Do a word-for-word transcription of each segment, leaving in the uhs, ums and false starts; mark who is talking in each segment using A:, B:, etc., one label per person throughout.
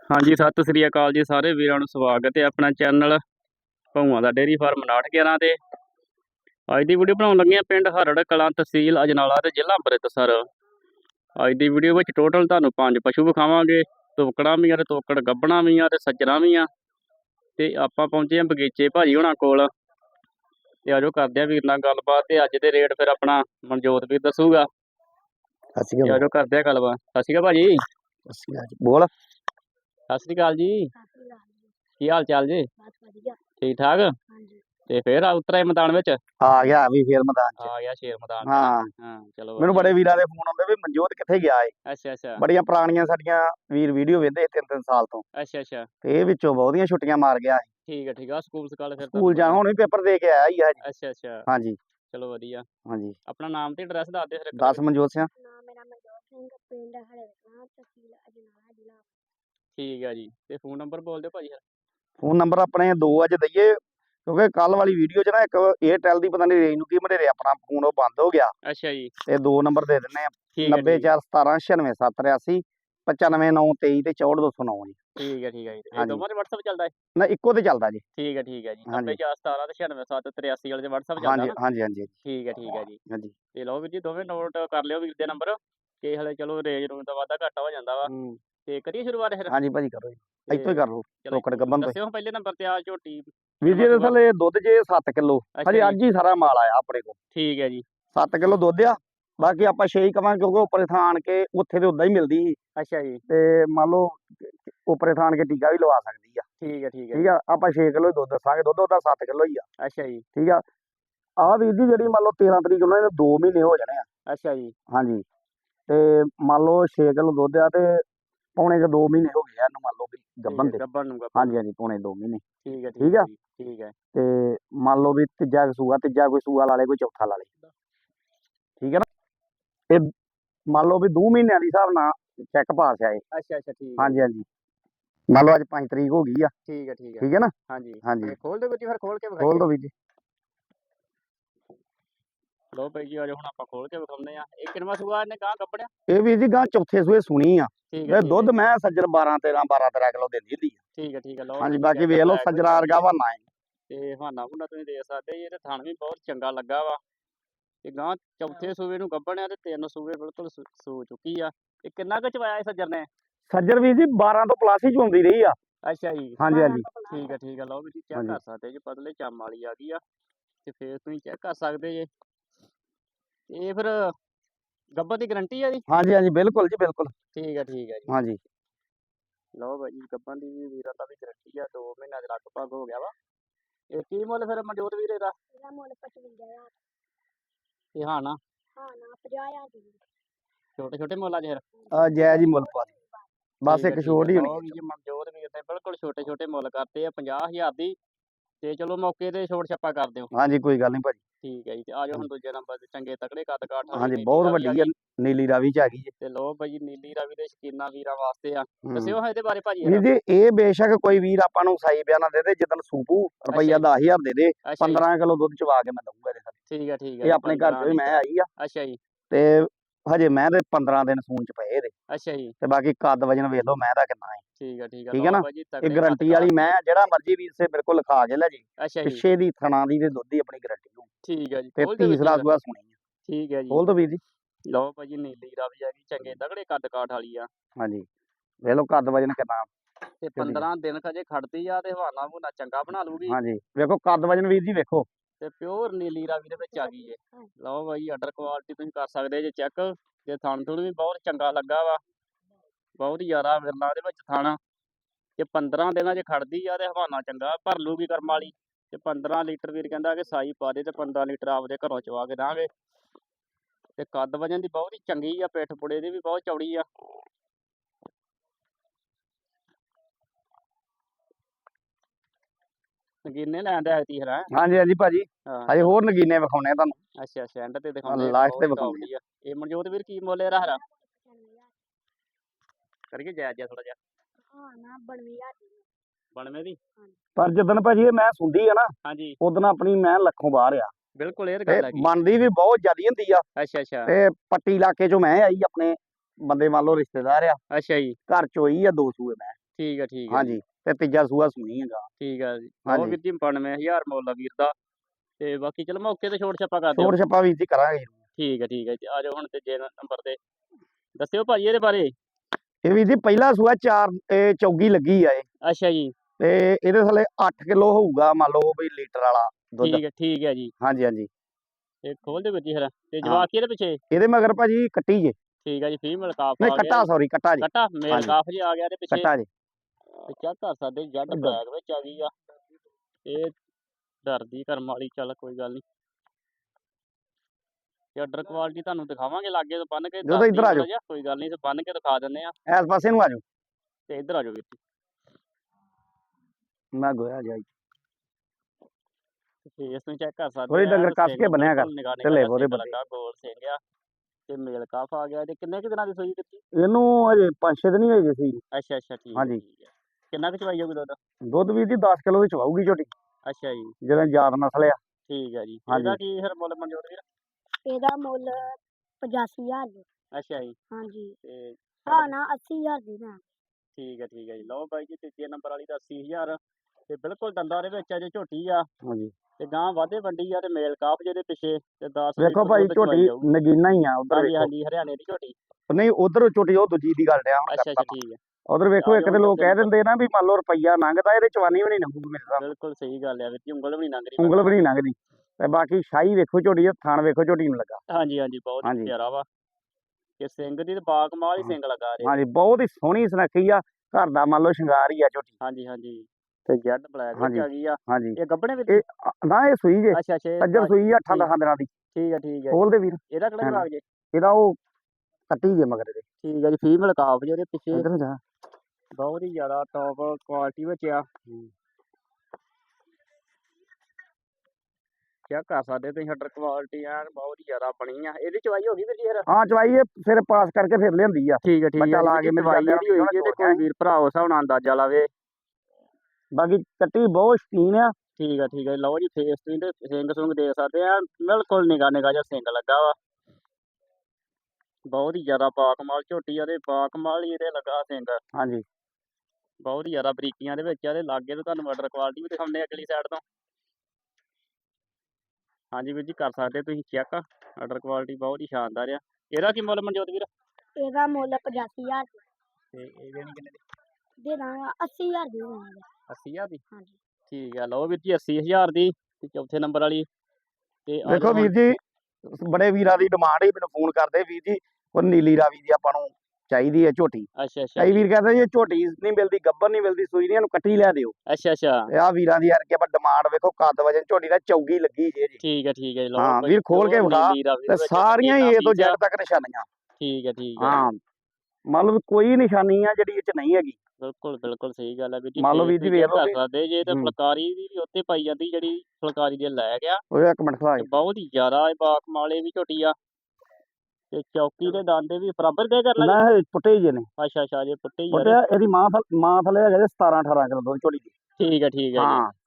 A: ਹਾਂਜੀ ਸਤਿ ਸ੍ਰੀ ਅਕਾਲ ਜੀ ਸਾਰੇ ਵੀਰਾਂ ਨੂੰ ਸਵਾਗਤ ਹੈ ਆਪਣਾ ਚੈਨਲ ਭੌਆਂ ਦਾ ਡੇਅਰੀ ਫਾਰਮ ਉਨਾਹਠ ਗਿਆਰਾਂ ਤੇ। ਅੱਜ ਦੀ ਵੀਡੀਓ ਬਣਾਉਣ ਲੱਗੇ ਹਾਂ ਪਿੰਡ ਹਰੜ ਕਲਾਂ ਤਹਿਸੀਲ ਅਜਨਾਲਾ ਤੇ ਜ਼ਿਲ੍ਹਾ ਅੰਮ੍ਰਿਤਸਰ। ਅੱਜ ਦੀ ਵੀਡੀਓ ਵਿੱਚ ਟੋਟਲ ਤੁਹਾਨੂੰ ਪੰਜ ਪਸ਼ੂ ਵਿਖਾਵਾਂਗੇ, ਤੋਕੜਾਂ ਵੀ ਆ ਤੇ ਤੋਕੜ ਗੱਭਣਾ ਵੀ ਆ ਤੇ ਸੱਜਰਾਂ ਵੀ ਆ। ਤੇ ਆਪਾਂ ਪਹੁੰਚੇ ਹਾਂ ਬਗੀਚੇ ਭਾਜੀ ਹੋਣਾ ਕੋਲ ਤੇ ਆਜੋ ਕਰਦੇ ਆ ਵੀਰ ਨਾਲ ਗੱਲਬਾਤ ਤੇ ਅੱਜ ਦੇ ਰੇਟ ਫਿਰ ਆਪਣਾ ਮਨਜੋਤ ਵੀਰ ਦੱਸੂਗਾ। ਤੇ ਆਜੋ ਕਰਦੇ ਆ ਗੱਲਬਾਤ। ਸਤਿ ਸ਼੍ਰੀ ਅਕਾਲ ਭਾਜੀ।
B: ਬੋਲ।
A: ਸਤਿ ਸ਼੍ਰੀ ਅਕਾਲ ਜੀ, ਕੀ ਹਾਲ ਚਾਲ ਜੀ? ਠੀਕ ਠਾਕ। ਤੇ ਫੇਰ ਉਤਰਾ ਮੈਦਾਨ ਵਿੱਚ
B: ਆ ਗਿਆ ਵੀ ਫੇਰ ਮੈਦਾਨ ਚ
A: ਆ ਗਿਆ ਸ਼ੇਰ ਮੈਦਾਨ।
B: ਹਾਂ
A: ਹਾਂ ਚਲੋ
B: ਮੈਨੂੰ ਬੜੇ ਵੀਰਾਂ ਦੇ ਫੋਨ ਆਉਂਦੇ ਵੀ ਮਨਜੋਤ ਕਿੱਥੇ ਗਿਆ ਏ।
A: ਅੱਛਾ ਅੱਛਾ
B: ਬੜੀਆਂ ਪੁਰਾਣੀਆਂ ਸਾਡੀਆਂ ਵੀਰ ਵੀਡੀਓ ਵੇਖਦੇ ਤਿੰਨ ਤਿੰਨ ਸਾਲ ਤੋਂ।
A: ਅੱਛਾ ਅੱਛਾ
B: ਤੇ ਇਹ ਵਿੱਚੋਂ ਬਹੁਤੀਆਂ ਛੁੱਟੀਆਂ ਮਾਰ ਗਿਆ ਸੀ।
A: ਠੀਕ ਹੈ ਠੀਕ ਆ। ਸਕੂਲ ਸਕਾਲ ਫਿਰ
B: ਸਕੂਲ ਜਾ ਹੁਣ ਵੀ ਪੇਪਰ ਦੇ ਕੇ ਆਇਆ ਹੀ ਆ ਜੀ।
A: ਅੱਛਾ ਅੱਛਾ
B: ਹਾਂਜੀ
A: ਚਲੋ ਵਧੀਆ।
B: ਹਾਂਜੀ
A: ਆਪਣਾ ਨਾਮ ਤੇ ਐਡਰੈਸ ਦੱਸ ਦੇ ਫਿਰ।
B: ਦਸ ਮਨਜੋਤ ਸਿੰਘ।
C: ਨਾਮ ਮੇਰਾ ਮਨਜੋਤ ਸਿੰਘ, ਪਿੰਡ ਹਰੇਕਲਾਂ, ਤਹਿਸੀਲ ਅਜਨਾਲਾ, ਜ਼ਿਲ੍ਹਾ।
A: ਠੀਕ ਹੈ ਜੀ। ਤੇ ਫੋਨ ਨੰਬਰ ਬੋਲ ਦਿਓ ਭਾਜੀ।
B: ਫੋਨ ਨੰਬਰ ਆਪਣੇ ਦੋ ਅੱਜ ਦਈਏ ਕਿਉਂਕਿ ਕੱਲ ਵਾਲੀ ਵੀਡੀਓ ਚ ਨਾ ਇੱਕ ਏਅਰਟੈਲ ਦੀ ਪਤਾ ਨਹੀਂ ਰੇਂਜ ਨੂੰ ਕੀ ਮਡੇਰੇ ਆਪਣਾ ਫੋਨ ਉਹ ਬੰਦ ਹੋ ਗਿਆ।
A: ਅੱਛਾ ਜੀ
B: ਤੇ ਦੋ ਨੰਬਰ ਦੇ ਦਿੰਨੇ ਆ
A: ਠੀਕ ਹੈ
B: ਨੱਬੇ
A: ਠੀਕ
B: ਚਾਰ ਸਤਾਰਾਂ ਛਿਆਨਵੇਂ ਸੱਤ ਤਰਿਆਸੀ ਪਚਾਨਵੇਂ ਨੌ ਤੇਈ ਤੇ ਚੌਂਹਠ ਦੋ ਸੌ ਨੌ ਜੀ।
A: ਠੀਕ ਹੈ ਠੀਕ ਹੈ ਜੀ। ਇਹ
B: ਹਾਂਜੀ।
A: ਦੋਵਾਂ ਦੇ WhatsApp ਚੱਲਦਾ ਹੈ?
B: ਨਾ ਇੱਕੋ ਤੇ ਚੱਲਦਾ ਜੀ।
A: ਠੀਕ ਹੈ ਠੀਕ ਹੈ ਜੀ।
B: ਹਾਂਜੀ।
A: ਨੱਬੇ ਚਾਰ ਸਤਾਰਾਂ ਤੇ ਛਿਆਨਵੇਂ ਸੱਤ ਤਰਿਆਸੀ ਵਾਲੇ ਦੇ WhatsApp ਚੱਲਦਾ
B: ਹਾਂਜੀ
A: ਨਾ?
B: ਹਾਂਜੀ ਹਾਂਜੀ
A: ਠੀਕ ਹੈ ਠੀਕ ਹੈ ਜੀ।
B: ਹਾਂਜੀ
A: ਤੇ ਲਓ ਵੀਰ ਜੀ ਦੋਵੇਂ ਨੋਟ ਕਰ ਲਿਓ ਵੀਰ ਦੇ ਨੰਬਰ ਕਿ ਹਲੇ ਚਲੋ ਰੇਂਜ ਰੂਮ ਦਾ ਵਾਧਾ ਘਾਟਾ ਹੋ ਜਾਂਦਾ ਵਾ।
B: ਹੂੰ
A: ਤੇ ਕਰੀਏ ਸ਼ੁਰੂਆਤ ਫਿਰ?
B: ਹਾਂਜੀ ਭਾਜੀ ਕਰੋ ਜੀ। ਇੱਥੋਂ ਹੀ ਕਰ ਲਓ
A: ਚਲੋ
B: ਰੋਕੜ ਗੱਬਨ ਤੋਂ।
A: ਦੱਸਿਓ ਪਹਿਲੇ ਨੰਬਰ ਤੇ ਆ ਝੋਟੀ
B: ਵੀਰ ਜੀ ਇਹਦੇ ਥੱਲੇ ਦੁੱਧ ਜੇ ਸੱਤ ਕਿਲੋ
A: ਅੱਛਾ
B: ਹਜੇ
A: ਜੀ।
B: ਅੱਜ ਹੀ ਸਾਰਾ ਮਾਲ ਆਇਆ ਆਪਣੇ ਕੋਲ।
A: ਠੀਕ ਹੈ ਜੀ।
B: ਸੱਤ ਕਿਲੋ ਦੁੱਧ ਆ। ਬਾਕੀ ਆਪਾਂ ਛੇ ਹੀ ਕਵਾਂਗੇ ਕਿਉਂਕਿ ਉੱਪਰੇ ਥਾਣ ਕੇ ਉੱਥੇ ਤੇ ਉਦਾਂ ਹੀ ਮਿਲਦੀ ਸੀ।
A: ਅੱਛਾ ਜੀ
B: ਤੇ ਮੰਨ ਲਓ ਉੱਪਰੇ ਥਾਣ ਕੇ ਟੀਕਾ ਵੀ ਲਵਾ ਸਕਦੀ ਆ।
A: ਠੀਕ ਹੈ ਠੀਕ ਹੈ
B: ਠੀਕ ਆ ਆਪਾਂ ਛੇ ਕਿਲੋ ਹੀ ਦੁੱਧ ਦੱਸਾਂਗੇ। ਦੁੱਧ ਉਹਦਾ ਸੱਤ ਕਿਲੋ ਹੀ ਆ।
A: ਅੱਛਾ ਜੀ
B: ਠੀਕ ਆ। ਆਹ ਵੀਰ ਜੀ ਜਿਹੜੀ ਮੰਨ ਲਓ ਤੇਰਾਂ ਤਰੀਕ ਨੂੰ ਇਹਨੂੰ ਦੋ ਮਹੀਨੇ ਹੋ ਜਾਣੇ ਆ।
A: ਅੱਛਾ ਜੀ
B: ਹਾਂਜੀ ਤੇ ਮੰਨ ਲਓ ਛੇ ਕਿਲੋ ਦੁੱਧ ਆ ਤੇ ਪੌਣੇ ਕੁ ਦੋ ਮਹੀਨੇ ਹੋ ਗਏ ਆ ਇਹਨੂੰ ਮੰਨ ਲਓ ਵੀ ਗੱਭਣ ਦੇ।
A: ਗੱਬਣ ਨੂੰ ਗੱਬਣ।
B: ਹਾਂਜੀ ਹਾਂਜੀ ਪੌਣੇ ਦੋ ਮਹੀਨੇ।
A: ਠੀਕ ਹੈ
B: ਠੀਕ ਆ।
A: ਜੀ ਠੀਕ ਹੈ।
B: ਤੇ ਮੰਨ ਲਓ ਵੀ ਤੀਜਾ ਸੂਆ ਤੀਜਾ ਕੋਈ ਸੂਆ ਲਾ ਲੇ ਕੋਈ ਚੌਥਾ ਲਾ ਲੇ। ਠੀਕ ਹੈ ਨਾ। ਇਹ ਮੰਨ ਲਓ ਵੀ ਦੋ ਮਹੀਨਿਆਂ ਦੇ ਹਿਸਾਬ ਨਾਲ ਚੈੱਕ ਪਾਸ ਆ ਇਹ।
A: ਅੱਛਾ ਅੱਛਾ ਠੀਕ ਹੈ
B: ਹਾਂਜੀ ਹਾਂਜੀ ਮੰਨ ਲਓ ਅੱਜ ਪੰਜ ਤਰੀਕ ਹੋ ਗਈ ਆ।
A: ਠੀਕ ਹੈ ਠੀਕ ਹੈ
B: ਠੀਕ ਹੈ ਨਾ।
A: ਹਾਂਜੀ
B: ਹਾਂਜੀ
A: ਤੇ ਖੋਲ ਦੇ ਵਿੱਚ ਫਿਰ ਖੋਲ ਕੇ
B: ਖੋਲ
A: ਵਿਖਾਈਏ।
B: ਦੋ ਵੀਰ ਜੀ।
A: ਲਓ ਭਾਈ ਜੀ ਅੱਜ ਹੁਣ ਆਪਾਂ ਖੋਲ ਕੇ ਵਿਖਾਉਂਦੇ ਆ। ਇਹ ਕਿੰਨਵਾਂ ਸੂਆ ਇਹਨੇ ਗਾਂ ਗੱਬੜਿਆ?
B: ਇਹ ਵੀਰ ਜੀ ਗਾਂ ਚੌਥੇ ਸੂਏ ਸੁਣੀ ਆ।
A: ਠੀਕ ਹੈ
B: ਇਹ ਦੁੱਧ ਮੈਂ ਸੱਜਰ ਬਾਰਾਂ ਤੇਰਾਂ ਬਾਰਾਂ ਤੇਰਾਂ ਕਿਲੋ ਦਿੰਦੀ ਹੁੰਦੀ ਆ।
A: ਠੀਕ ਹੈ ਠੀਕ ਹੈ। ਲਓ
B: ਹਾਂਜੀ ਬਾਕੀ ਵੇਖ ਲਓ ਸੱਜਰਾ ਵਰਗਾ ਹਵਾਨਾ ਹੈ।
A: ਤੇ ਹਵਾਨਾ ਹੁਣਾ ਤੁਸੀਂ ਦੇਖ ਸਕਦੇ ਜੀ। ਇਹਦੇ ਥਣ ਵੀ ਬਹੁਤ ਚੰਗਾ ਲੱਗਾ ਵਾ। ਤੇ ਗਾਂ ਚੌਥੇ ਸੂਏ ਨੂੰ ਗੱਬਣ ਆ ਤੇ ਤਿੰਨ ਸੂਏ ਬਿਲਕੁਲ ਸੂ ਚੁੱਕੀ ਆ। ਇਹ ਕਿੰਨਾ ਕੁ ਚਵਾਇਆ ਸੱਜਰ ਨੇ?
B: ਸੱਜਰ ਵੀਰ ਜੀ ਬਾਰਾਂ ਤੋਂ ਪਲੱਸ ਹੀ ਚੋਂਦੀ ਰਹੀ ਆ।
A: ਅੱਛਾ ਜੀ
B: ਹਾਂਜੀ ਹਾਂਜੀ
A: ਠੀਕ ਹੈ ਠੀਕ ਹੈ। ਲਓ ਵੀ ਜੀ ਚੈੱਕ ਕਰ ਸਕਦੇ ਜੀ ਪਤਲੇ ਚਮ ਵਾਲੀ ਆ ਗਈ ਆ। ਤੇ ਫੇਰ ਤੁਸੀਂ ਚੈੱਕ ਕਰ ਸਕਦੇ ਜੇ। ਇਹ ਫਿਰ ਗੱਬਰ ਦੀ ਗਰੰਟੀ ਆ ਜੀ?
B: ਹਾਂਜੀ ਹਾਂਜੀ ਬਿਲਕੁਲ ਜੀ ਬਿਲਕੁਲ।
A: ਠੀਕ ਹੈ ਠੀਕ ਹੈ ਜੀ।
B: ਹਾਂਜੀ
A: ਲਓ ਭਾਈ ਜੀ ਗੱਬਰ ਦੀ ਵੀ ਵੀਰਾਂ ਦਾ ਵੀ ਗਰੰਟੀ ਆ। ਦੋ ਮਹੀਨਿਆਂ ਦੇ ਲਗਭਗ ਹੋ ਗਿਆ ਵਾ। ਇਹ ਕੀ ਮੁੱਲ ਫਿਰ ਮਨਜੋਤ ਵੀਰ ਇਹਦਾ?
C: ਇਹਦਾ ਮੁੱਲ ਪਚਵੰਜਾ ਹਜ਼ਾਰ।
A: ਤੇ ਹਾਂ ਨਾ
C: ਹਾਂ ਨਾ ਪੰਜਾਹ ਹਜ਼ਾਰ ਦੀ।
A: ਛੋਟੇ ਛੋਟੇ ਮੁੱਲਾਂ 'ਚ ਫਿਰ?
B: ਆ ਜਾਇਜ਼ ਹੀ ਮੁੱਲ ਪਾ ਦੇ ਬਸ ਇੱਕ ਛੋਟ ਹੀ ਹੋਣੀ।
A: ਲਓ ਜੀ ਮਨਜੋਤ ਵੀਰ ਨੇ ਬਿਲਕੁਲ ਛੋਟੇ ਛੋਟੇ ਮੁੱਲ ਕਰਤੇ ਆ ਪੰਜਾਹ ਹਜ਼ਾਰ ਦੀ। ਤੇ ਚਲੋ ਮੌਕੇ ਤੇ ਛੋਟ ਛੱਪਾ ਕਰ ਦਿਓ।
B: ਹਾਂਜੀ ਕੋਈ ਗੱਲ ਨਹੀਂ ਭਾਜੀ।
A: ਠੀਕ ਹੈ ਜੀ। ਤੇ ਆ ਜਾਓ ਹੁਣ ਦੂਜੇ ਨੰਬਰ ਤੇ ਚੰਗੇ ਤਕੜੇ ਕੱਦ ਕਾਠ ਵਾਲੀ
B: ਹਾਂਜੀ ਬਹੁਤ ਵੱਡੀ ਆ ਨੀਲੀ ਰਾਵੀ ਚ ਆ ਗਈ ਜੀ।
A: ਤੇ ਲਓ ਭਾਈ ਨੀਲੀ ਰਾਵੀ ਦੇ ਸ਼ਕੀਨਾ ਵੀਰਾਂ ਵਾਸਤੇ ਆ। ਦੱਸਿਓ ਹਾਂ ਇਹਦੇ ਬਾਰੇ ਭਾਜੀ।
B: ਵੀਰ ਜੀ ਇਹ ਬੇਸ਼ੱਕ ਕੋਈ ਵੀਰ ਆਪਾਂ ਨੂੰ ਸਾਈ ਬਿਆਨਾ ਦੇ ਦੇ ਜਿੱਦਣ ਸੂਪੂ ਰੁਪਈਆ ਦਸ ਹਜ਼ਾਰ ਦੇ ਦੇ ਪੰਦਰਾਂ ਕਿਲੋ ਦੁੱਧ ਚਵਾ ਕੇ ਮੈਂ ਦਊਂਗਾ ਇਹਦੇ ਨਾਲ।
A: ਠੀਕ ਹੈ ਠੀਕ ਹੈ।
B: ਇਹ ਆਪਣੇ ਘਰ ਚੋਂ ਹੀ ਮੈਂ ਆਈ ਆ।
A: ਅੱਛਾ ਜੀ
B: ਤੇ ਹਜੇ ਮੈਂ ਦੇ ਪੰਦਰਾਂ ਦਿਨ ਸੂਣ ਚ ਪਏ ਇਹਦੇ।
A: ਅੱਛਾ ਜੀ
B: ਤੇ ਬਾਕੀ ਕੱਦ ਵਜਨ ਵੇਖ ਲਓ ਮੈਂ ਦਾ ਕਿੰਨਾ ਹੈ।
A: ਠੀਕ ਹੈ ਠੀਕ ਹੈ।
B: ਠੀਕ ਹੈ ਨਾ। ਇਹ ਗਾਰੰਟੀ ਵਾਲੀ ਮੈਂ ਜਿਹੜਾ ਮਰਜੀ ਵੀਰ ਸੇ ਮੇਰੇ ਕੋਲ ਲਿਖਾ ਕੇ ਲੈ ਜੀ।
A: ਅੱਛਾ ਜੀ
B: ਪਿੱਛੇ ਦੀ ਥਣਾ ਦੀ ਤੇ ਦੁੱਧ ਦੀ ਆਪਣੀ ਗਾਰੰਟੀ ਹੋਊ।
A: ਠੀਕ ਹੈ ਜੀ।
B: ਤੇ ਤੀਸਰਾ ਸੂਆ ਸੁਣੀ ਆ।
A: ਠੀਕ ਹੈ ਜੀ।
B: ਖੋਲ ਦੋ ਵੀਰ ਜੀ।
A: ਲਓ ਭਾਜੀ ਨੀਲੀ ਰਾਵੀ ਆ ਗਈ ਚੰਗੇ ਤਗੜੇ ਕੱਦ ਕਾਠ ਵਾਲੀ ਆ।
B: ਹਾਂਜੀ ਵੇਖ ਲਓ ਕੱਦ ਵਜਨ ਕਿੰਨਾ।
A: ਤੇ ਪੰਦਰਾਂ ਦਿਨ ਖਜੇ ਖੜਦੀ ਆ ਤੇ ਹਵਾਨਾ ਹੁਣਾ ਚੰਗਾ ਬਣਾ ਲੂਗੀ।
B: ਹਾਂਜੀ ਵੇਖੋ ਕੱਦ ਵਜਨ ਵੀਰ ਜੀ ਵੇਖੋ।
A: ਤੇ ਪਿਓਰ ਨੀਲੀ ਰਾਵੀ ਦੇ ਵਿੱਚ ਆ ਗਈ ਜੇ। ਲਓ ਭਾਈ ਆਰਡਰ ਕੁਆਲਿਟੀ ਤੁਸੀਂ ਕਰ ਸਕਦੇ ਜੇ ਚੈੱਕ। ਤੇ ਥਣ ਥੁਣ ਵੀ ਬਹੁਤ ਚੰਗਾ ਲੱਗਾ ਵਾ। ਬਹੁਤ ਜ਼ਿਆਦਾ ਵਿਰਲਾ ਦੇ ਵਿੱਚ ਥਣ। ਤੇ ਪੰਦਰਾਂ ਦਿਨਾਂ 'ਚ ਖੜਦੀ ਆ ਤੇ ਹਵਾਨਾ ਚੰਗਾ ਭਰ ਲੂਗੀ ਕਰਮ ਵਾਲੀ। ਤੇ ਪੰਦਰਾਂ ਲੀਟਰ ਵੀਰ ਕਹਿੰਦਾ ਕਿ ਸਾਈ ਪਾ ਦੇ ਤੇ ਪੰਦਰਾਂ ਲੀਟਰ ਆਪਦੇ ਘਰੋਂ ਚਵਾ ਕੇ ਦਾਂਗੇ। ਤੇ ਕੱਦ ਵਜਨ ਦੀ ਬਹੁਤ ਹੀ ਚੰਗੀ ਆ। ਪਿੱਠ ਪੁੜੇ ਦੀ ਵੀ ਬਹੁਤ ਚੌੜੀ ਆ। ਨਗੀਨੇ ਲੈਣ ਦੇ ਆਏ ਤੀ ਹਰਾ।
B: ਹਾਂਜੀ ਹਾਂਜੀ ਭਾਜੀ ਹਜੇ ਹੋਰ ਨਗੀਨੇ ਵਿਖਾਉਣੇ ਆ ਤੁਹਾਨੂੰ।
A: ਅੱਛਾ ਅੱਛਾ ਐਂਡ ਤੇ ਦਿਖਾਉਂਦੇ
B: ਲਾਸਟ ਤੇ ਵਿਖਾਉਣੇ ਆ।
A: ਇਹ ਮਨਜੋਤ ਵੀਰ ਕੀ ਮੁੱਲ ਇਹਦਾ ਹਰਾ? ਕਰੀਏ ਜਾਇਜ਼ ਜਿਹਾ ਥੋੜਾ ਜਿਹਾ।
C: ਹਾਂ ਨਾ ਬਾਨਵੇਂ ਹਜ਼ਾਰ ਦੀ।
A: ਬਾਨਵੇਂ ਦੀ?
B: ਪਰ ਜਿੱਦਣ ਭਾਜੀ ਇਹ ਮੈਂ ਸੁਣਦੀ ਆ ਨਾ
A: ਹਾਂਜੀ
B: ਉਦਣ ਆਪਣੀ ਮੈਂ ਲੱਖੋਂ ਬਾਹਰ ਆ।
A: ਬਿਲਕੁਲ ਇਹ ਗੱਲ ਹੈਗੀ।
B: ਬਣਦੀ ਵੀ ਬਹੁਤ ਜ਼ਿਆਦੀ ਹੁੰਦੀ ਆ।
A: ਅੱਛਾ ਅੱਛਾ
B: ਤੇ ਪੱਟੀ ਇਲਾਕੇ ਚੋਂ ਮੈਂ ਆਈ ਆਪਣੇ ਬੰਦੇ ਮੰਨ ਲਓ ਰਿਸ਼ਤੇਦਾਰ ਆ।
A: ਅੱਛਾ ਜੀ
B: ਘਰ ਚੋਂ ਹੀ ਆ ਦੋ ਸੂਏ ਮੈਂ।
A: ਠੀਕ ਹੈ ਠੀਕ ਹੈ
B: ਹਾਂਜੀ ਤੇ ਤੀਜਾ ਸੂਆ ਸੁਣੀ ਹੈਗਾ।
A: ਠੀਕ ਹੈ ਜੀ ਉਹ
B: ਹਾਂਜੀ।
A: ਵੀਰ ਜੀ ਬਾਨਵੇਂ ਹਜ਼ਾਰ ਮੁੱਲ ਆ ਵੀਰ ਦਾ ਤੇ ਬਾਕੀ ਚਲੋ ਮੌਕੇ ਤੇ ਛੋੜ ਛਾਪਾ ਕਰ ਦਿਓ।
B: ਛੋੜ ਛੱਪਾ ਵੀਰ ਜੀ ਕਰਾਂਗੇ।
A: ਠੀਕ ਹੈ ਠੀਕ ਹੈ ਜੀ ਆ ਜਾਓ ਹੁਣ ਤੀਜੇ ਨੰਬਰ ਤੇ ਦੱਸਿਓ ਭਾਜੀ ਇਹਦੇ ਬਾਰੇ।
B: ਇਹ ਵੀਰ ਜੀ ਪਹਿਲਾ ਸੂਆ ਚਾਰ ਇਹ ਚੌਗੀ ਲੱਗੀ ਆ ਇਹ
A: ਅੱਛਾ ਜੀ
B: ਤੇ ਇਹਦੇ ਥੱਲੇ ਅੱਠ ਕਿਲੋ ਹੋਊਗਾ ਮੰਨ ਲਓ ਵੀ ਲੀਟਰ ਵਾਲਾ ਦੁੱਧ।
A: ਠੀਕ ਹੈ ਠੀਕ ਹੈ ਜੀ
B: ਹਾਂਜੀ ਹਾਂਜੀ।
A: ਤੇ ਖੋਲ ਦਿਓ ਵੀਰ ਜੀ ਫਿਰ ਤੇ
B: ਹਾਂ।
A: ਜਵਾਕ ਇਹਦੇ ਪਿੱਛੇ
B: ਇਹਦੇ ਮਗਰ ਭਾਜੀ ਕੱਟੀ ਜੇ
A: ਠੀਕ ਹੈ ਜੀ ਫੀਮੇਲ ਕਾਫ
B: ਨਹੀਂ
A: ਆ ਗਿਆ
B: ਕੱਟਾ
A: ਜੀ।
B: ਸੌਰੀ ਕੱਟਾ ਜੀ
A: ਕੱਟਾ ਮੇਲ
B: ਹਾਂਜੀ।
A: ਕਾਫ ਜੀ ਆ ਗਿਆ ਇਹਦੇ ਪਿੱਛੇ
B: ਕੱਟਾ ਜੀ।
A: ਤੇ ਚੈੱਕ ਕਰ ਸਕਦੇ ਜੱਡ
B: ਇੱਧਰ।
A: ਬਲੈਕ ਵਿੱਚ ਆ ਗਈ ਆ ਇਹ ਡਰਦੀ ਕਰਮ ਵਾਲੀ ਚੱਲ ਕੋਈ ਗੱਲ ਨਹੀਂ ਤੇ ਆਰਡਰ ਕੁਆਲਿਟੀ ਤੁਹਾਨੂੰ ਦਿਖਾਵਾਂਗੇ ਲਾਗੇ ਤੋਂ ਬੰਨ ਕੇ
B: ਜਦੋਂ
A: ਦੱਸ
B: ਇੱਧਰ ਆ
A: ਦਿਓ
B: ਜਾਓ।
A: ਜਿਹਾ, ਕੋਈ ਗੱਲ ਨਹੀਂ ਤੇ ਬੰਨ ਕੇ ਦਿਖਾ ਦਿੰਦੇ ਆ
B: ਇਸ ਪਾਸੇ ਨੂੰ ਆ ਜਾਓ।
A: ਤੇ ਇੱਧਰ ਆ ਜਾਓ ਵੀਰ ਜੀ
B: ਮੈਂ ਗੋਇਆ ਜਾਈ
A: ਤੇ ਇਸ ਨੂੰ ਚੈੱਕ ਕਰ ਸਕਦੇ
B: ਥੋੜੀ
A: ਆ,
B: ਡੰਗਰ ਕੱਸ
A: ਸਿੰਘ
B: ਕੇ ਬੰਨਿਆ ਕਰ
A: ਬਿਲਕੁਲ ਨਿਗਾਹ
B: ਤੇ
A: ਨਿਗਾਹ
B: ਲੈ
A: ਜਿਹਾ
B: ਉਹਦੇ
A: ਸਿੰਘ
B: ਬੰਦੇ।
A: ਲੱਗਾ ਗੋਲ ਸਿੰਘ ਆ ਤੇ ਮੇਲ ਕਾਫ ਆ ਗਿਆ ਤੇ ਕਿੰਨੇ ਕੁ ਦਿਨਾਂ ਦੀ ਸੂਈ ਦਿੱਤੀ।
B: ਇਹਨੂੰ ਅਜੇ ਪੰਜ ਛੇ ਦਿਨ ਹੀ ਹੋਏ ਜੇ ਸੀ।
A: ਅੱਛਾ ਅੱਛਾ ਠੀਕ ਹੈ
B: ਹਾਂਜੀ।
A: ਠੀਕ ਹੈ ਕਿੰਨਾ ਕੁ ਚਵਾਈ ਹੋਊਗੀ ਦੁੱਧ।
B: ਦੁੱਧ ਵੀਰ ਜੀ ਦਸ ਕਿਲੋ ਦੀ ਚਵਾਊਗੀ ਝੋਟੀ
A: ਅੱਛਾ ਜੀ
B: ਜਦੋਂ ਯਾਦ ਨਸਲ ਆ।
A: ਠੀਕ ਹੈ ਜੀ
B: ਹਾਂਜੀ।
A: ਇਹਦਾ ਕੀ ਫਿਰ ਮੁੱਲ ਮਨਜੋਤ ਵੀਰ।
C: ਇਹਦਾ ਮੁੱਲ ਪਚਾਸੀ ਹਜ਼ਾਰ ਜੀ।
A: ਅੱਛਾ ਜੀ
C: ਹਾਂਜੀ
A: ਤੇ
C: ਹਾਂ ਨਾ ਅੱਸੀ ਹਜ਼ਾਰ ਦੀ ਨਾ।
A: ਠੀਕ ਹੈ ਠੀਕ ਹੈ ਜੀ ਲਓ ਬਾਈ ਜੀ ਤੀਜੇ ਨੰਬਰ ਵਾਲੀ ਦਾ ਅੱਸੀ ਹਜ਼ਾਰ ਤੇ ਬਿਲਕੁਲ ਦੰਦਾਂ ਦੇ ਵਿੱਚ ਅਜੇ ਝੋਟੀ ਆ
B: ਹਾਂਜੀ
A: ਤੇ ਗਾਂ ਵਾਧੇ ਵੰਡੀ ਆ ਤੇ ਮੇਲ ਕਾਪ ਜਿਹਦੇ ਪਿੱਛੇ ਤੇ ਦਸ
B: ਵੇਖੋ
A: ਲੀਟਰ
B: ਭਾਈ
A: ਦੁੱਧ ਚਵਾਈ
B: ਝੋਟੀ
A: ਜਾਊ।
B: ਨਗੀਨਾ ਹੀ ਆ ਉਧਰ
A: ਹਾਂਜੀ
B: ਵੇਖੋ।
A: ਹਾਂਜੀ ਹਰਿਆਣੇ ਦੀ ਝੋਟੀ।
B: ਨਹੀਂ ਉਧਰ ਝੋਟੀ ਉਹ ਦੂਜੀ ਦੀ ਗੱਲ ਡਿਆ ਹੁਣ
A: ਅੱਛਾ ਅੱਛਾ
B: ਕਰਦਾ
A: ਠੀਕ ਹੈ
B: ਉਧਰ ਵੇਖੋ
A: ਆ
B: ਇੱਕ
A: ਜਾਓ
B: ਤੇ ਲੋਕ
A: ਚੌਥੇ
B: ਕਹਿ
A: ਨੰਬਰ।
B: ਦਿੰਦੇ ਨਾ ਵੀ ਮੰਨ ਲਓ ਰੁਪਈਆ ਲੰਘਦਾ ਇਹਦੇ ਚਵਾਨੀ ਵੀ ਨਹੀਂ ਲੰਘੂਗੀ ਮੇਰੇ ਹਿਸਾਬ
A: ਬਿਲਕੁਲ ਸਹੀ ਗੱਲ ਆ ਵੀਰ ਜੀ ਉਂਗਲ ਵੀ ਨਹੀਂ ਲੰਘ ਰਹੀ
B: ਨਾਲ। ਉਂਗਲ ਵੀ ਨਹੀਂ ਲੰਘਦੀ ਤੇ ਬਾਕੀ ਸ਼ਾਹੀ ਵੇਖੋ ਝੋਟੀ ਦਾ ਥਾਣ ਵੇਖੋ ਝੋਟੀ ਨੂੰ ਲੱਗਾ।
A: ਹਾਂਜੀ ਹਾਂਜੀ ਬਹੁਤ ਹੀ
B: ਹਾਂਜੀ।
A: ਪਿਆਰਾ ਵਾ ਤੇ ਸਿੰਘ ਦੀ ਤੇ ਬਾਕਮਾਲ ਹੀ ਸਿੰਘ ਲੱਗਾ ਰਿਹਾ।
B: ਹਾਂਜੀ ਬਹੁਤ ਹੀ ਸੋਹਣੀ ਸੁਨੱਖੀ ਆ ਘਰ ਦਾ ਮੰਨ ਲਓ ਸ਼ਿੰਗਾਰ ਹੀ ਆ ਝੋਟੀ।
A: ਹਾਂਜੀ ਹਾਂਜੀ ਤੇ ਜੈਡ ਬਲੈਕ ਵਿੱਚ
B: ਹਾਂਜੀ।
A: ਆ ਗਈ ਆ
B: ਹਾਂਜੀ
A: ਇਹ ਗੱਬਣੇ ਵਿੱਚ।
B: ਇਹ ਅ- ਨਾ ਇਹ ਸੂਈ ਜੇ
A: ਅੱਛਾ ਅੱਛਾ ਇਹ
B: ਸੱਜਰ
A: ਤਾਂ-
B: ਸੂਈ ਆ ਅੱਠਾਂ
A: ਠੀਕ-
B: ਦਸਾਂ ਦਿਨਾਂ ਦੀ।
A: ਠੀਕ ਹੈ ਠੀਕ ਹੈ
B: ਖੋਲ ਦੇ ਵੀਰ
A: ਇਹਦਾ ਕਿਹੜਾ
B: ਹਾਂ।
A: ਜਵਾਬ ਜੇ।
B: ਇਹਦਾ ਉਹ ਕੱਟੀ ਜੇ ਮਗਰ ਇਹਦੇ।
A: ਠੀਕ ਹੈ ਜੀ ਫੀਮੇਲ ਕਾਫ ਜਿਹਦੇ ਪਿੱਛੇ
B: ਇੱਧਰ ਜਾ।
A: ਬਹੁਤ ਹੀ ਜ਼ਿਆਦਾ ਟੌਪ ਕੁਆਲਿਟੀ ਵਿੱਚ ਆ ਚੈੱਕ ਕਰ ਸਕਦੇ ਤੁਸੀਂ ਸ਼ਟਰ ਕੁਆਲਿਟੀ ਆ ਬਹੁਤ ਹੀ ਜ਼ਿਆਦਾ ਬਣੀ ਆ ਇਹਦੀ ਚਵਾਈ ਹੋ ਗਈ ਵੀਰ ਜੀ ਫਿਰ।
B: ਹਾਂ ਚਵਾਈ ਇਹ ਫਿਰ ਪਾਸ ਕਰਕੇ ਫਿਰ ਲਿਆਂਦੀ ਆ।
A: ਠੀਕ ਹੈ ਠੀਕ
B: ਬੱਚਾ
A: ਹੈ
B: ਲਾ
A: ਜੀ
B: ਕੇ ਮਿਲ
A: ਚਵਾਈ
B: ਜਾਂਦੇ ਆ,
A: ਜਿਹੜੀ ਹੋਈ
B: ਉਹਨਾਂ
A: ਜੇ ਤੇ
B: ਕੋਲ
A: ਕੋਈ ਵੀਰ ਭਰਾ ਉਸ ਹਿਸਾਬ ਨਾਲ ਅੰਦਾਜ਼ਾ ਲਾਵੇ।
B: ਬਾਕੀ ਕੱਟੀ ਬਹੁਤ ਸ਼ਕੀਨ ਆ।
A: ਠੀਕ ਹੈ ਠੀਕ ਹੈ ਲਓ ਜੀ ਫੇਸ ਤੁਸੀਂ ਤੇ ਸਿੰਘ ਸੁੰਗ ਦੇਖ ਸਕਦੇ ਆ ਬਿਲਕੁਲ ਨਿਗਾ ਨਿਗਾ ਜਿਹਾ ਸਿੰਘ ਲੱਗਾ ਵਾ ਬਹੁਤ ਹੀ ਜ਼ਿਆਦਾ ਬਾਕਮਾਲ ਝੋਟੀ ਆ ਤੇ ਬਾਕਮਾਲ ਹੀ ਇਹਦੇ ਲੱਗਾ ਸਿੰਘ
B: ਹਾਂਜੀ
A: ਬਹੁਤ ਹੀ ਜ਼ਿਆਦਾ ਬਰੀਕੀਆਂ ਦੇ ਵਿੱਚ ਆ ਤੇ ਲਾਗੇ ਤੋਂ ਤੁਹਾਨੂੰ ਆਰਡਰ ਕੁਆਲਿਟੀ ਵੀ ਦਿਖਾਉਂਦੇ ਆ ਅਗਲੀ ਸਾਈਡ ਤੋਂ। ਹਾਂਜੀ ਵੀਰ ਜੀ ਕਰ ਸਕਦੇ ਤੁਸੀਂ ਚੈੱਕ ਆਰਡਰ ਕੁਆਲਿਟੀ ਬਹੁਤ ਹੀ ਸ਼ਾਨਦਾਰ ਆ। ਇਹਦਾ ਕੀ ਮੁੱਲ ਮਨਜੋਤ ਵੀਰ।
C: ਇਹਦਾ ਮੁੱਲ ਪਚਾਸੀ ਹਜ਼ਾਰ ਦੀ
A: ਤੇ ਇਹ ਦੇਣੀ ਕਿੰਨੇ ਦੀ।
C: ਦੇ ਦਾਂਗਾ ਅੱਸੀ ਹਜ਼ਾਰ ਦੀ ਦੇਵਾਂਗੇ।
A: ਅੱਸੀ ਹਜ਼ਾਰ ਦੀ
C: ਹਾਂਜੀ
A: ਠੀਕ ਆ ਲਓ ਵੀਰ ਜੀ ਅੱਸੀ ਹਜ਼ਾਰ ਦੀ ਤੇ ਚੌਥੇ ਨੰਬਰ ਵਾਲੀ ਤੇ ਆ
B: ਵੇਖੋ
A: ਜਾਓ
B: ਵੀਰ
A: ਹੁਣ-
B: ਜੀ ਬੜੇ ਵੀਰਾਂ ਦੀ ਡਿਮਾਂਡ ਹੀ ਮੈਨੂੰ ਫੋਨ ਕਰਦੇ ਵੀਰ ਜੀ ਉਹ ਨੀਲੀ ਰਾਵੀ ਦੀ ਆਪਾਂ ਨੂੰ ਚਾਹੀਦੀ ਹੈ ਝੋਟੀ।
A: ਅੱਛਾ ਅੱਛਾ
B: ਕਈ
A: ਜੀ,
B: ਵੀਰ ਕਹਿੰਦੇ ਜੀ ਝੋਟੀ ਨਹੀਂ ਮਿਲਦੀ ਗੱਬਰ ਨਹੀਂ ਮਿਲਦੀ ਸੂਈ ਨਹੀਂ ਇਹਨੂੰ ਕੱਟੀ ਲੈ ਦਿਓ।
A: ਅੱਛਾ ਅੱਛਾ
B: ਤੇ ਆਹ ਵੀਰਾਂ ਦੀ ਯਾਰ ਕਿ ਆਪਾਂ ਡਿਮਾਂਡ ਵੇਖੋ ਕੱਦ ਵਜਨ ਝੋਟੀ ਦਾ ਚੌਗੀ ਲੱਗੀ ਜੇ ਜੀ।
A: ਠੀਕ ਹੈ ਠੀਕ ਹੈ ਜੀ ਲਓ
B: ਹਾਂ
A: ਬਾਈ
B: ਵੀਰ ਖੋਲ ਕੇ
A: pure
B: ਵਿਖਾ
A: ਨੀਲੀ ਰਾਵੀ
B: ਤੇ
A: ਦੇ ਵਿੱਚ
B: ਸਾਰੀਆਂ ਹੀ
A: ਲੱਗੀ
B: ਏ ਤੋਂ
A: ਕਾਫੀ
B: ਜੈਡ ਤੱਕ ਨਿਸ਼ਾਨੀਆਂ।
A: ਠੀਕ ਹੈ ਠੀਕ ਹੈ
B: ਹਾਂ ਮੰਨ ਲਓ ਵੀ ਕੋਈ ਨਿਸ਼ਾਨੀ ਆ ਜਿਹੜੀ ਇਹ ਚ ਨਹੀਂ ਹੈਗੀ।
A: ਬਿਲਕੁਲ ਬਿਲਕੁਲ ਸਹੀ ਗੱਲ ਹੈ ਵੀਰ ਜੀ
B: ਮੰਨ ਲਓ
A: face
B: ਵੀਰ ਜੀ
A: ਤੁਸੀਂ
B: ਵੇਖ ਲਓ
A: ਕਰ
B: ਵੀ-
A: ਸਕਦੇ ਜੇ ਤੇ
B: ਹੂੰ।
A: ਫੁਲਕਾਰੀ ਦੀ ਵੀ ਉੱਤੇ ਪਾਈ ਜਾਂਦੀ ਜਿਹੜੀ ਫੁਲਕਾਰੀ ਦੇ ਲੈ ਗਿਆ
B: ਉਹ ਇੱਕ ਮਿੰਟ ਖਲਾ
A: ਤੇ ਬਹੁਤ ਹੀ ਜ਼ਿਆਦਾ ਇਹ ਬਾਕਮਾਲੇ ਵੀ ਝੋਟੀ ਆ ਤੇ ਚੌਕੀ ਦੇ ਦੰਦੇ ਵੀ ਬਰਾਬਰ ਦੇ ਕਰ
B: ਨਾ
A: ਲੱਗੇ।
B: ਇਹ ਪੁੱਟੇ ਹੀ ਜੇ ਨੇ
A: ਅੱਛਾ ਅੱਛਾ ਜੇ ਪੁੱਟੇ ਹੀ
B: ਪੁੱਟੇ
A: ਯਾਰ
B: ਇਹਦੀ ਮਾਂ ਥਲ- ਮਾਂ ਥਲੇ ਹੈਗੇ ਜੇ ਸਤਾਰਾਂ ਅਠਾਰਾਂ ਕਿਲੋ ਦੁੱਧ ਝੋਟੀ ਦੀ।
A: ਠੀਕ ਹੈ ਠੀਕ ਹੈ ਜੀ
B: ਹਾਂ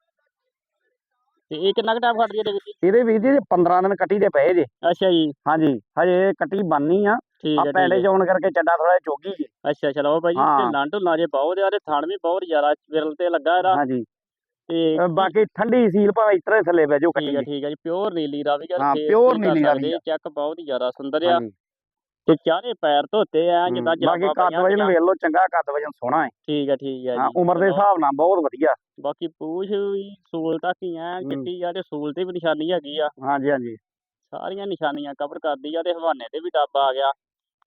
A: ਤੇ ਇਹ ਕਿੰਨਾ ਕੁ ਟਾਈਮ ਖੜਦੀ ਹੈ ਇਹਦੇ ਵਿੱਚ।
B: ਇਹਦੇ ਵੀਰ ਜੀ ਪੰਦਰਾਂ ਦਿਨ ਕੱਟੀ ਦੇ ਪਏ ਜੇ।
A: ਅੱਛਾ ਜੀ
B: ਹਾਂਜੀ ਹਜੇ ਕੱਟੀ ਬੰਨੀ ਆ
A: ਠੀਕ
B: ਆ
A: ਹੈ ਠੀਕ
B: ਪੈਂਡੇ
A: ਹੈ
B: ਚ ਆਉਣ ਕਰਕੇ ਚੱਡਾ ਥੋੜਾ ਚੋਗੀ ਜੀ।
A: ਅੱਛਾ ਚਲੋ ਭਾਈ ਜੀ ਤੇ
B: ਹਾਂ।
A: ਲੰਡ ਲਾ ਜੇ ਬਹੁਤ ਆ ਤੇ ਥਣ ਵੀ ਬਹੁਤ ਜ਼ਿਆਦਾ ਵਿਰਲ ਤੇ ਲੱਗਾ ਇਹਦਾ
B: ਹਾਂਜੀ
A: ਤੇ
B: ਅ ਬਾਕੀ ਠੰਡੀ ਸੀਲ ਭਾਵੇਂ ਇਸ ਤਰ੍ਹਾਂ ਹੀ ਥੱਲੇ ਬਹਿ ਜਾਓ
A: ਠੀਕ ਹੈ
B: ਕੱਟੀ
A: ਠੀਕ ਹੈ ਜੀ ਪਿਓਰ ਨੀਲੀ ਰਾਵੀ ਯਾਰ
B: ਹਾਂ,
A: ਫੇਸ
B: pure
A: ਤੁਸੀਂ ਕਰ
B: ਨੀਲੀ ਰਾਵੀ
A: ਸਕਦੇ
B: ਆ।
A: ਚੈੱਕ ਬਹੁਤ ਹੀ ਜ਼ਿਆਦਾ ਸੁੰਦਰ ਆ
B: ਹਾਂਜੀ
A: ਤੇ ਚਾਰੇ ਪੈਰ ਧੋਤੇ ਆ
B: ਹੂੰ,
A: ਜਿੱਦਾਂ
B: ਬਾਕੀ
A: ਜਰਾਬਾਂ
B: ਕੱਦ
A: ਪਾਈਆਂ
B: ਵਜਨ
A: ਹੁੰਦੀਆਂ।
B: ਵੇਖ ਲਓ ਚੰਗਾ ਕੱਦ ਵਜਨ ਸੋਹਣਾ ਹੈ।
A: ਠੀਕ ਹੈ ਠੀਕ ਹੈ
B: ਹਾਂ
A: ਜੀ
B: ਉਮਰ ਦੇ
A: ਚਲੋ,
B: ਹਿਸਾਬ ਨਾਲ ਬਹੁਤ ਵਧੀਆ।
A: ਬਾਕੀ ਪੂਛ ਵੀ ਸੂਲ ਤੱਕ ਹੀ ਆ
B: ਹੂੰ।
A: ਚਿੱਟੀ ਆ ਤੇ ਸੂਲ ਤੇ ਵੀ ਨਿਸ਼ਾਨੀ ਹੈਗੀ ਆ
B: ਹਾਂਜੀ ਹਾਂਜੀ
A: ਸਾਰੀਆਂ ਨਿਸ਼ਾਨੀਆਂ ਕਵਰ ਕਰਦੀ ਆ ਤੇ ਹਵਾਨੇ ਤੇ ਵੀ ਡੱਬ ਆ ਗਿਆ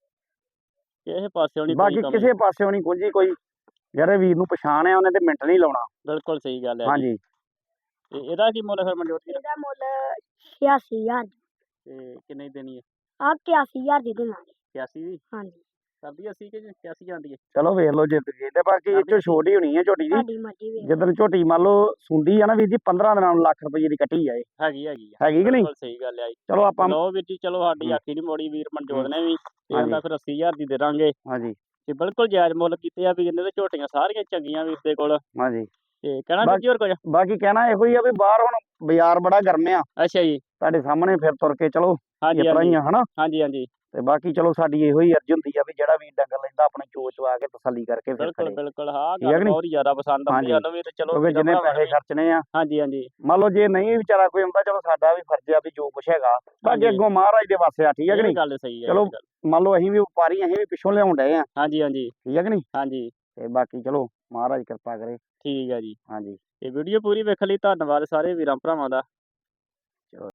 A: ਕਿਸੇ ਪਾਸਿਓਂ ਨਹੀਂ ਕੋਈ
B: ਬਾਕੀ
A: ਕਮੀ।
B: ਕਿਸੇ ਪਾਸਿਓਂ ਨਹੀਂ ਕੁਝ ਕੋਈ ਜਿਹੜੇ ਵੀਰ ਨੂੰ ਪਛਾਣ ਆ ਉਹਨੇ ਤੇ ਮਿੰਟ ਨਹੀਂ ਲਾਉਣਾ।
A: ਬਿਲਕੁਲ ਸਹੀ ਗੱਲ ਹੈ ਜੀ
B: ਹਾਂਜੀ
A: ਤੇ ਇਹਦਾ ਕੀ ਮੁੱਲ ਫਿਰ ਮਨਜੋਤ ਵੀਰ
C: ਇਹਦਾ ਮੁੱਲ ਛਿਆਸੀ ਹਜ਼ਾਰ
A: ਤੇ ਕਿੰਨੇ ਦੀ ਦੇਣੀ ਹੈ
C: ਆ ਇਕਿਆਸੀ ਹਜ਼ਾਰ ਦੀ ਦੇਵਾਂਗੇ।
A: ਇਕਿਆਸੀ ਦੀ
C: ਹਾਂਜੀ
A: ਕਰਦੀ ਅੱਸੀ ਕਿ ਇਕਿਆਸੀ ਜਾਂਦੀ ਹੈ
B: ਚਲੋ ਵੇਖ ਲਓ ਜਿੱਤ ਗਏ ਤੇ ਬਾਕੀ ਇਹ ਚੋਂ ਛੋਟ ਹੀ ਹੋਣੀ ਹੈ ਝੋਟੀ ਦੀ।
C: ਤੁਹਾਡੀ ਮਰਜ਼ੀ ਵੇਖ
B: ਜਦੋਂ ਝੋਟੀ ਮੰਨ ਲਓ ਸੁੰਦੀ ਆ ਨਾ ਵੀਰ ਜੀ ਪੰਦਰਾਂ ਦਿਨਾਂ ਨੂੰ ਲੱਖ ਰੁਪਏ ਦੀ ਕੱਟੀ ਆ ਇਹ।
A: ਹੈਗੀ ਹੈਗੀ ਆ
B: ਹੈਗੀ ਕਿ ਨਹੀਂ?
A: ਬਿਲਕੁਲ ਸਹੀ ਗੱਲ ਆ ਜੀ
B: ਚਲੋ ਆਪਾਂ
A: ਲਓ ਵੀਰ ਜੀ ਚਲੋ ਸਾਡੀ
B: ਹੂੰ।
A: ਆਖੀ ਨਹੀਂ ਮੋੜੀ ਵੀਰ ਮਨਜੋਤ
B: ਹੂੰ।
A: ਨੇ ਵੀ ਤੇ
B: ਹਾਂਜੀ।
A: ਉਹਦਾ ਫਿਰ ਅੱਸੀ ਹਜ਼ਾਰ ਦੀ ਦੇ ਦਾਂਗੇ
B: ਹਾਂਜੀ
A: ਤੇ ਬਿਲਕੁਲ ਜਾਇਜ਼ ਮੁੱਲ ਕੀਤੇ ਆ ਵੀ ਇਹਨੇ ਤੇ ਝੋਟੀਆਂ ਸਾਰੀਆਂ ਚੰਗੀਆਂ ਵੀਰ ਦੇ ਕੋਲ
B: ਹਾਂਜੀ
A: ਤੇ ਕਹਿਣਾ ਵੀਰ ਜੀ ਹੋਰ ਕੁਝ।
B: ਬਾਕੀ ਕਹਿਣਾ ਇਹੋ ਹੀ ਆ ਵੀ ਬਾਹਰ ਹੁਣ ਬਾਜ਼ਾਰ ਬੜਾ ਗਰਮ ਆ
A: ਅੱਛਾ ਜੀ
B: ਤੁਹਾਡੇ ਸਾਹਮਣੇ ਫਿਰ ਤੁਰ ਕੇ ਚਲੋ
A: ਹਾਂਜੀ
B: ਇਸ ਤਰ੍ਹਾਂ ਹੀ
A: ਹਾਂਜੀ
B: ਆ ਹਨਾ
A: ਹਾਂਜੀ ਹਾਂਜੀ
B: ਤੇ ਬਾਕੀ ਚਲੋ ਸਾਡੀ ਇਹੋ ਹੀ ਅਰਜ਼ ਹੁੰਦੀ ਆ ਵੀ ਜਿਹੜਾ ਵੀ ਡੰਗਰ ਲੈਂਦਾ ਆਪਣੀ ਚੋਚ ਆ ਕੇ ਤਸੱਲੀ ਕਰਕੇ ਫਿਰ
A: ਬਿਲਕੁਲ
B: ਖੜੇ
A: ਬਿਲਕੁਲ ਹਾਂ
B: ਠੀਕ ਹੈ
A: ਗੱਲ
B: ਕਿ ਨਹੀਂ?
A: ਬਹੁਤ ਜ਼ਿਆਦਾ ਪਸੰਦ ਆਉਂਦੀ
B: ਹਾਂਜੀ।
A: ਸਾਨੂੰ ਵੀ ਤੇ ਚਲੋ
B: ਕਿਉਂਕਿ
A: ਵੀਰਾਂ
B: ਜਿੰਨੇ
A: ਭਰਾਵਾਂ
B: ਪੈਸੇ
A: ਨੂੰ
B: ਖਰਚਣੇ ਆ,
A: ਵੀ- ਹਾਂਜੀ ਹਾਂਜੀ
B: ਮੰਨ ਲਓ ਜੇ ਨਹੀਂ ਵਿਚਾਰਾ ਕੋਈ ਆਉਂਦਾ ਚਲੋ ਸਾਡਾ ਵੀ ਫਰਜ਼ ਆ ਵੀ ਜੋ ਕੁਛ ਹੈਗਾ ਬਾਕੀ
A: ਹਾਂਜੀ।
B: ਅੱਗੋਂ ਮਹਾਰਾਜ ਦੇ ਵਾਸਤੇ ਆ। ਠੀਕ ਹੈ ਕਿ
A: ਇਹ
B: ਨਹੀਂ?
A: ਗੱਲ ਸਹੀ ਹੈ
B: ਚਲੋ
A: ਇਹ ਗੱਲ।
B: ਮੰਨ ਲਓ ਅਸੀਂ ਵੀ ਵਪਾਰੀ ਅਸੀਂ ਵੀ ਪਿੱਛੋਂ ਲਿਆਉਣ ਡਏ ਆ।
A: ਹਾਂਜੀ ਹਾਂਜੀ
B: ਠੀਕ ਹੈ ਕਿ ਨਹੀਂ?
A: ਹਾਂਜੀ
B: ਤੇ ਬਾਕੀ ਚਲੋ ਮਹਾਰਾਜ ਕਿਰਪਾ ਕਰੇ।
A: ਠੀਕ ਹੈ ਜੀ।
B: ਹਾਂਜੀ।
A: ਇਹ ਵੀਡੀਓ ਪੂਰੀ ਵੇਖਣ ਲਈ ਧੰਨਵਾਦ ਸਾਰੇ ਵੀਰਾਂ ਭਰਾਵਾਂ ਦਾ।